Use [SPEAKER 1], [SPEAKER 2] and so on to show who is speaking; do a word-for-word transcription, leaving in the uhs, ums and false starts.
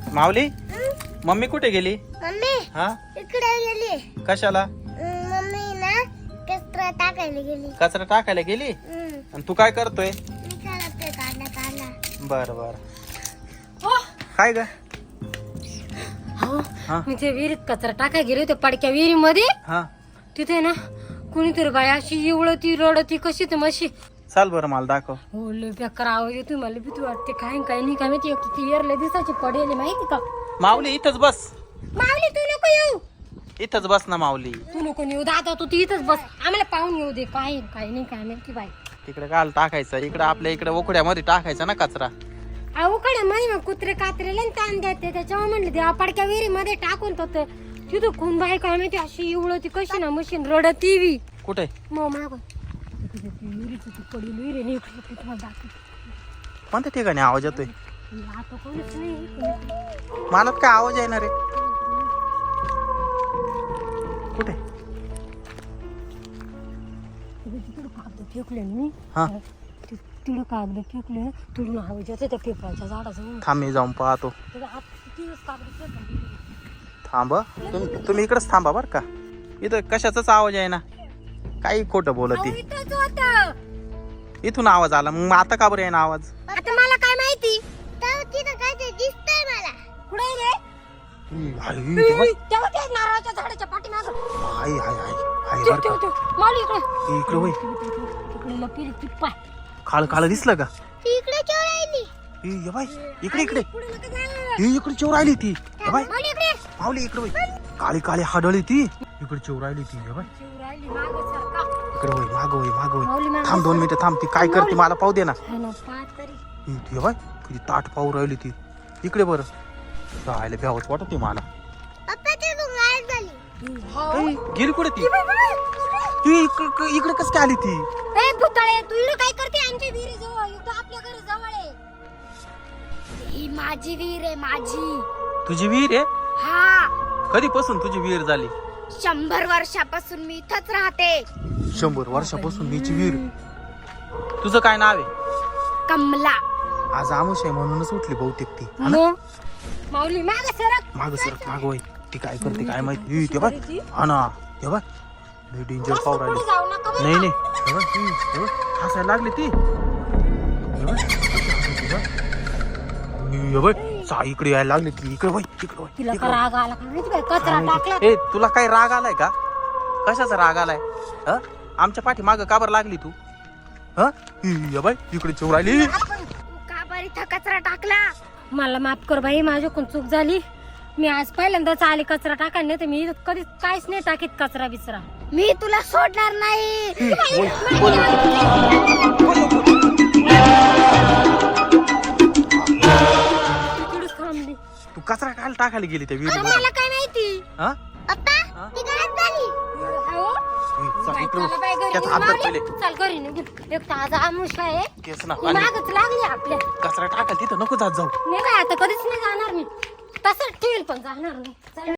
[SPEAKER 1] माऊली mummy कुठे गेली?
[SPEAKER 2] Mummy
[SPEAKER 1] हा
[SPEAKER 2] इकडे गेली.
[SPEAKER 1] कशाला?
[SPEAKER 2] मम्मी ना कचरा टाकायला गेली.
[SPEAKER 1] कचरा टाकायला गेली.
[SPEAKER 2] हम्म.
[SPEAKER 1] आणि तू काय करतोय?
[SPEAKER 2] मी चालतोय काढला काढला.
[SPEAKER 1] बर बर. काय ग?
[SPEAKER 3] हो
[SPEAKER 1] हा
[SPEAKER 3] मी ते विहिरीत कचरा टाकाय गेले होते पडक्या विहिरीमध्ये.
[SPEAKER 1] हा
[SPEAKER 3] तिथे ना कुणीतरी बाई अशी एवढती रडती कशी तर मशी.
[SPEAKER 1] चाल बरं मला दाखव.
[SPEAKER 3] हो लय बेकार आवाज येतो मला भीती वाटते. काय काय नाही काय माहिती. एक ती एरले दिसाची पडेल माहिती का.
[SPEAKER 1] माऊली इथंच बस.
[SPEAKER 3] माऊली तू नको येऊ.
[SPEAKER 1] इथंच बस ना माऊली.
[SPEAKER 3] तू नको येऊ दादा तू इथंच बस. आम्हाला पाहून येऊ दे. काय काय नाही काय माहिती बाई.
[SPEAKER 1] तिकडे काल टाकायचं इकडे आपल्या इकडे ओखड्यामध्ये टाकायचा ना कचरा.
[SPEAKER 3] अहो कडे माही मग कुत्रे कात्रेला ताण देते त्याच्यामुळे म्हणले देवा पडक्या विहिरीमध्ये टाकून तर तिथं खून बाई काय माहिती अशी एवढती कशी ना मशीन रडती बी.
[SPEAKER 1] कुठे?
[SPEAKER 3] मग माग विहिरीची ती पडली विहिरी नाही इकडे तुम्हाला दाखवते.
[SPEAKER 1] कोणत्या ठिकाणी आवाज येतोय?
[SPEAKER 3] आता कोणीच नाही.
[SPEAKER 1] मला काय आवाज येणार आहे? कुठे?
[SPEAKER 3] तिकडं कागद फेकले मी.
[SPEAKER 1] हा
[SPEAKER 3] तिकडं कागद फेकले तिकडून आवाज येते त्या पेपराच्या झाडाचं.
[SPEAKER 1] थांब मी जाऊन पाहतो.
[SPEAKER 3] कागद फेकले.
[SPEAKER 1] थांब तुम्ही तुम्ही इकडेच थांबा बर का. इथं कशाचाच आवाज आहे ना. काही खोटं बोलती.
[SPEAKER 3] इथंच होतं.
[SPEAKER 1] इथून आवाज आला मग आता का बरं आहे ना आवाज?
[SPEAKER 3] आता मला काय माहिती.
[SPEAKER 2] तर तिथं काय ते दिसतंय मला.
[SPEAKER 3] कुठे रे?
[SPEAKER 1] हाय, तेव्हा-
[SPEAKER 3] तेव्हा ते नारळाच्या झाडाच्या पाठीमागं.
[SPEAKER 1] हाय हाय हाय हाय
[SPEAKER 3] ते-
[SPEAKER 1] बरं
[SPEAKER 3] ते-
[SPEAKER 1] का.
[SPEAKER 3] ते. माऊली इकडे.
[SPEAKER 1] इकडे होय.
[SPEAKER 3] तिकडे लपली ती पाय.
[SPEAKER 1] काळ काळ दिसलं का?
[SPEAKER 2] ती इकडे चोर राहिली.
[SPEAKER 1] ए, ये बाई इकडे इकडे.
[SPEAKER 3] पुढे नका जायला.
[SPEAKER 1] ए, इकडे चोर राहिली ती. ये बाई
[SPEAKER 3] माऊली इकडे.
[SPEAKER 1] माऊली इकडे होय. काळी काळी हाडळी ती. इकडे चोर राहिली ती. ये बाई
[SPEAKER 3] शिव राहिली मागं सरका.
[SPEAKER 1] इकडे होय माग होय माग होय.
[SPEAKER 3] माऊली मागं
[SPEAKER 1] थांब दोन मिनिटं थांब. ती काय करते मला पाहू दे ना.
[SPEAKER 3] हा ना, पाहत तरी.
[SPEAKER 1] ए, ये बाई किती ताट पाहू राहिली ती. इकडे बरं राहायला भ्यावच वाटत मला.
[SPEAKER 2] पप्पा ते तू गायब झाली.
[SPEAKER 1] ए, गेली कुठे ती? ती इकडे इकडे कस काय आली ती?
[SPEAKER 3] ए भुताळे तू इकडे काय करते आमच्या विहिरी जवळ? इकडे आपल्या घरी जवळ आहे. ही माझी विहीर आहे माझी.
[SPEAKER 1] तुझी विहीर आहे?
[SPEAKER 3] हा
[SPEAKER 1] कधीपासून तुझी विहीर झाली?
[SPEAKER 3] शंभर वर्षापासून मी इथंच राहते.
[SPEAKER 1] शंभर वर्षापासून मीची विहीर. तुझं काय नाव आहे?
[SPEAKER 3] कमला.
[SPEAKER 1] आज आमुष आहे म्हणूनच उठली बहुतेक ती. हा ना?
[SPEAKER 3] मग माऊली माग सरक.
[SPEAKER 1] माग सरक माग होय. ती काय करते काय माहिती. ए, ते बाय हा ना ते बाय लय डेंजर पाहू
[SPEAKER 3] पुढे
[SPEAKER 1] राहिली.
[SPEAKER 3] जाऊ नका बरं
[SPEAKER 1] नाही
[SPEAKER 3] का?
[SPEAKER 1] नाही हे बघ, हे, हे बघ, हसायला लागली ती. हे बघ, कशी हसायची बघ. हे बघ, सा इकडे यायला लागली ती. इकडे वय इकडे वय,
[SPEAKER 3] तिला
[SPEAKER 1] इकडे
[SPEAKER 3] का
[SPEAKER 1] वय.
[SPEAKER 3] राग आला का माहिती काय? कचरा
[SPEAKER 1] काय
[SPEAKER 3] टाकला.
[SPEAKER 1] माहिती. ए तुला काय राग आलाय का? कशाचा राग आलाय? ह आमच्या पाठी माग का बरं लागली तू? ह हे बाय इकडे चोर आली.
[SPEAKER 3] का बरं इथं कचरा टाकला? मला माफ कर बाई माझ्याकडून चूक झाली. मी आज पहिल्यांदाच आले कचरा टाकायला. नाही तर मी कधीच काहीच नाही टाकीत कचरा बिचरा. मी तुला सोडणार नाही.
[SPEAKER 1] बोल, बोल.
[SPEAKER 3] तिकडेच थांबली.
[SPEAKER 1] तू कचरा काय टाकायला गेली त्या विहिरी मध्ये?
[SPEAKER 3] मला काय माहिती.
[SPEAKER 1] हा
[SPEAKER 2] पप्पा ती गायब झाली.
[SPEAKER 3] अहो,
[SPEAKER 1] ए, चल
[SPEAKER 3] बाई,
[SPEAKER 1] इकडे
[SPEAKER 3] चला बाई
[SPEAKER 1] वळ.
[SPEAKER 3] घरी
[SPEAKER 1] त्याचा
[SPEAKER 3] निघ
[SPEAKER 1] हात धर
[SPEAKER 3] माऊली.
[SPEAKER 1] पहिले.
[SPEAKER 3] चल घरी निघू. एक ताजा आमुष आहे.
[SPEAKER 1] केस ना
[SPEAKER 3] ही
[SPEAKER 1] आणि
[SPEAKER 3] मागच लागली आपल्या.
[SPEAKER 1] कचरा टाकायला तिथं नको जात जाऊ.
[SPEAKER 3] नाही काय आता कधीच नाही जाणार मी. तसंच ठेवील पण जाणार नाही. चल.